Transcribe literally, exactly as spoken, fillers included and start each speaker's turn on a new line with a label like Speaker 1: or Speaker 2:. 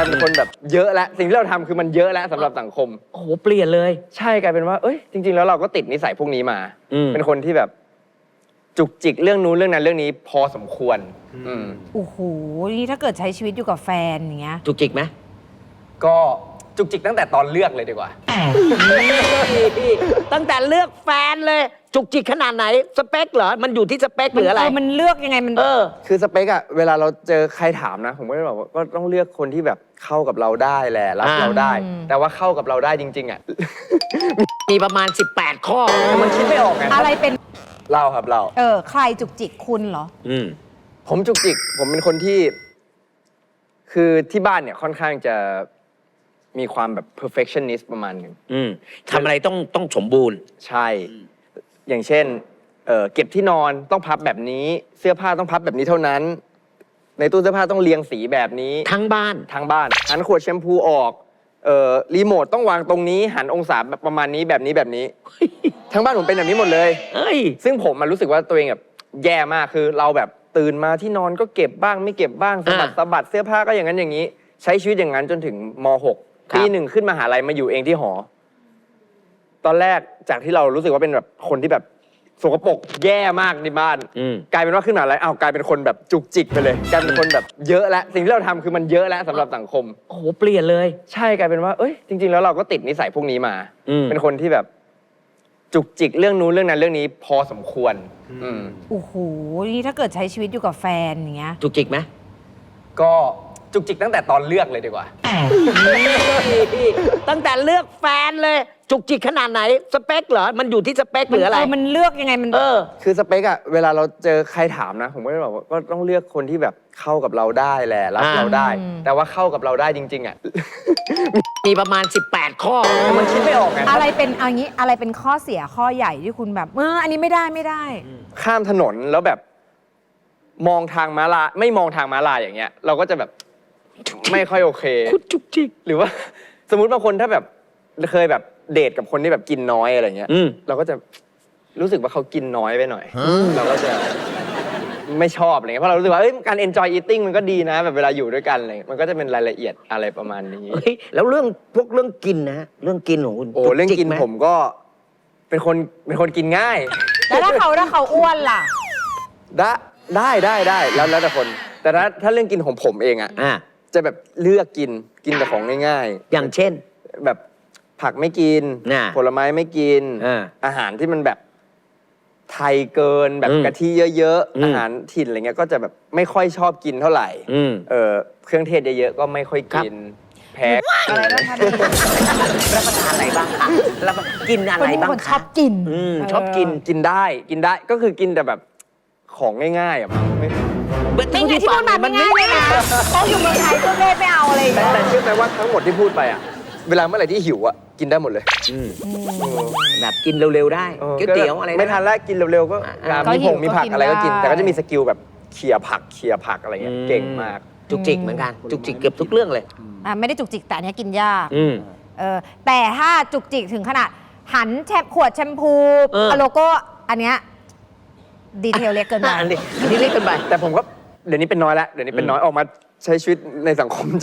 Speaker 1: ายเป็นคนแบบเยอะแล้วสิ่งที่เราทำคือมันเยอะแล้วสำหรับสังคม
Speaker 2: โอ้โหเปลี่ยนเลย
Speaker 1: ใช่กลายเป็นว่าเอ้ยจริงๆแล้วเราก็ติดนิสัยพวกนี้มาเป็นคนที่แบบจุกจิกเรื่องนู้นเรื่องนั้นเรื่องนี้พอสมควร
Speaker 3: โอ้โหนี่ถ้าเกิดใช้ชีวิตอยู่กับแฟนอย่างเงี้ย
Speaker 2: จุกจิกไหม
Speaker 1: ก็จุกจิกตั้งแต่ตอนเลือกเลยดีกว่า
Speaker 2: ตั้งแต่เลือกแฟนเลยจุกจิกขนาดไหนสเปคเหรอมันอยู่ที่สเปคหรืออะไร
Speaker 3: มันเลือกยังไงมัน
Speaker 2: เออ
Speaker 1: คือสเปคอะเวลาเราเจอใครถามนะผมก็จะบอกว่าก็ต้องเลือกคนที่แบบเข้ากับเราได้แหละรับเราได้แต่ว่าเข้ากับเราได้จริงๆอะ
Speaker 2: มีประมาณสิบแปดข้อ
Speaker 1: แต่มันคิดไม่ออกไง
Speaker 3: อะไรเป็น
Speaker 1: เราครับเรา
Speaker 3: เออใครจุกจิกคุณเหรอ
Speaker 2: อืม
Speaker 1: ผมจุกจิกผมเป็นคนที่คือที่บ้านเนี่ยค่อนข้างจะมีความแบบ perfectionist ประมาณหนึ่ง
Speaker 2: ทำอะไรต้องต้องสมบูรณ์
Speaker 1: ใช่อย่างเช่น เ, เก็บที่นอนต้องพับแบบนี้เสื้อผ้าต้องพับแบบนี้เท่านั้นในตู้เสื้อผ้าต้องเรียงสีแบบนี้
Speaker 2: ทั้งบ้าน
Speaker 1: ทั้งบ้านหันขวดแชมพูออกเอ่อรีโมทต้องวางตรงนี้หันองศาแบบประมาณนี้แบบนี้แบบนี้ทั้งบ้านผมเป็นแบบนี้หมดเลยซึ่งผมมันรู้สึกว่าตัวเองแบบแย่มากคือเราแบบตื่นมาที่นอนก็เก็บบ้างไม่เก็บบ้างสะบัดสะบัดเสื้อผ้าก็อย่างนั้นอย่างนี้ใช้ชีวิตอย่างนั้นจนถึงม หก ปีหนึ่งขึ้นมหาลัยมาอยู่เองที่หอตอนแรกจากที่เรารู้สึกว่าเป็นแบบคนที่แบบสกปรกแย่มากในบ้านกลายเป็นว่าขึ้นมหาลัยอ้าวกลายเป็นคนแบบจุกจิกไปเลยกลายเป็นคนแบบเยอะแล้วสิ่งที่เราทำคือมันเยอะแล้วสำหรับสังคม
Speaker 2: โอ้โหเปลี่ยนเลย
Speaker 1: ใช่กลายเป็นว่าเอ้ยจริงๆแล้วเราก็ติดนิสัยพวกนี้มาเป็นคนที่แบบจุกจิกเรื่องนู้นเรื่องนั้นเรื่องนี้พอสมควร
Speaker 3: โอ้โหนี่ถ้าเกิดใช้ชีวิตอยู่กับแฟนอย่างเงี้ย
Speaker 2: จุกจิกไหม
Speaker 1: ก็จุกจิกตั้งแต่ตอนเลือกเลยดีกว่า
Speaker 2: ตั้งแต่เลือกแฟนเลยจุกจิกขนาดไหนสเปคเหรอมันอยู่ที่สเปคหรืออะไร
Speaker 3: มันเลือกยังไงมัน
Speaker 2: เออ
Speaker 1: คือสเปคอะเวลาเราเจอใครถามนะผมก็จะบอกว่าก็ต้องเลือกคนที่แบบเข้ากับเราได้แหละรับเราได้แต่ว่าเข้ากับเราได้จริงๆอะ
Speaker 2: มีประมาณสิบแปดข้อ
Speaker 1: แต่มันคิดไม่ออกไง
Speaker 3: อะไรเป็นเอางี้อะไรเป็นข้อเสียข้อใหญ่ที่คุณแบบเอออันนี้ไม่ได้ไม่ได้
Speaker 1: ข้ามถนนแล้วแบบมองทางม้าลายไม่มองทางม้าลายอย่างเงี้ยเราก็จะแบบไม่ค่อยโอเค
Speaker 2: คุณจุกจิก
Speaker 1: หรือว่าสมมุติบางคนถ้าแบบเคยแบบเดทกับคนที่แบบกินน้อยอะไรเงี้ยเราก็จะรู้สึกว่าเขากินน้อยไปหน่อยเราก็จะไม่ชอบอะไรเงี้ยเพราะเรารู้สึกว่าการ enjoy eating มันก็ดีนะแบบเวลาอยู่ด้วยกันอะไรมันก็จะเป็นรายละเอียดอะไรประมาณนี้
Speaker 2: แล้วเรื่องพวกเรื่องกินนะเรื่องกินของคุณ
Speaker 1: โอ้เรื่องกินผมก็เป็นคนเป็นคนกินง่าย
Speaker 3: แล้วถ้าเขาถ้าเขาอ้วนล่ะ
Speaker 1: ได้ได้ได้ได้แล้วแล้วแต่คนแต่ถ้าถ้าเรื่องกินของผมเองอะจะแบบเลือกกินกินแต่ของง่าย
Speaker 2: ๆอย่างเช่น
Speaker 1: แบบผักไม่กินผลไม้ไม่กินอาหารที่มันแบบไทยเกินแบบกะทิเยอะๆอาหารถิ่นอะไรเงี้ยก็จะแบบไม่ค่อยชอบกินเท่าไหร่เออเครื่องเทศเยอะๆก็ไม่ค่อยกินแพ้
Speaker 3: อะไรบ้างคะ
Speaker 2: รับประทานอะไรบ้างรับกินอะไรบ้าง
Speaker 3: ชอบกิน
Speaker 1: ชอบกินกินได้กินได้ก็คือกินแต่แบบของง่ายๆอ่ะไม่
Speaker 3: ไม่ไงที่พูดมามันง่ายเลยนะต้องอยู่เมืองไทยก็เลยไม่เอาอะไร
Speaker 1: แต่เชื่อไหมว่าทั้งหมดที่พูดไปอ่ะเวลาเมื่อไหร่ที่หิวอ่ะกินได้หมดเลย
Speaker 2: แบบกินเร็วๆได้ก๋วยเตี๋ยวอะไร
Speaker 1: ไม่ทันแล้วกินเร็วๆก็มีผงมีผักอะไรก็กินแต่ก็จะมีสกิลแบบเขี่ยผักเขี่ยผักอะไรเงี้ยเก่งมาก
Speaker 2: จุกจิกเหมือนกันจุกจิกเกือบทุกเรื่องเลย
Speaker 3: อ่าไม่ได้จุกจิกแต่เนี้ยกินยากเออแต่ถ้าจุกจิกถึงขนาดหันแชมขวดแชมพูโลโก้อันเนี้ยดีเทลเล็กเกินไป
Speaker 2: อันนี้เล็กเกินไป
Speaker 1: แต่ผมก็เดี๋ยวนี้เป็นน้อยแล้วเดี๋ยวนี้เป็นน้อยออกมาใช้ชีวิตในสังคม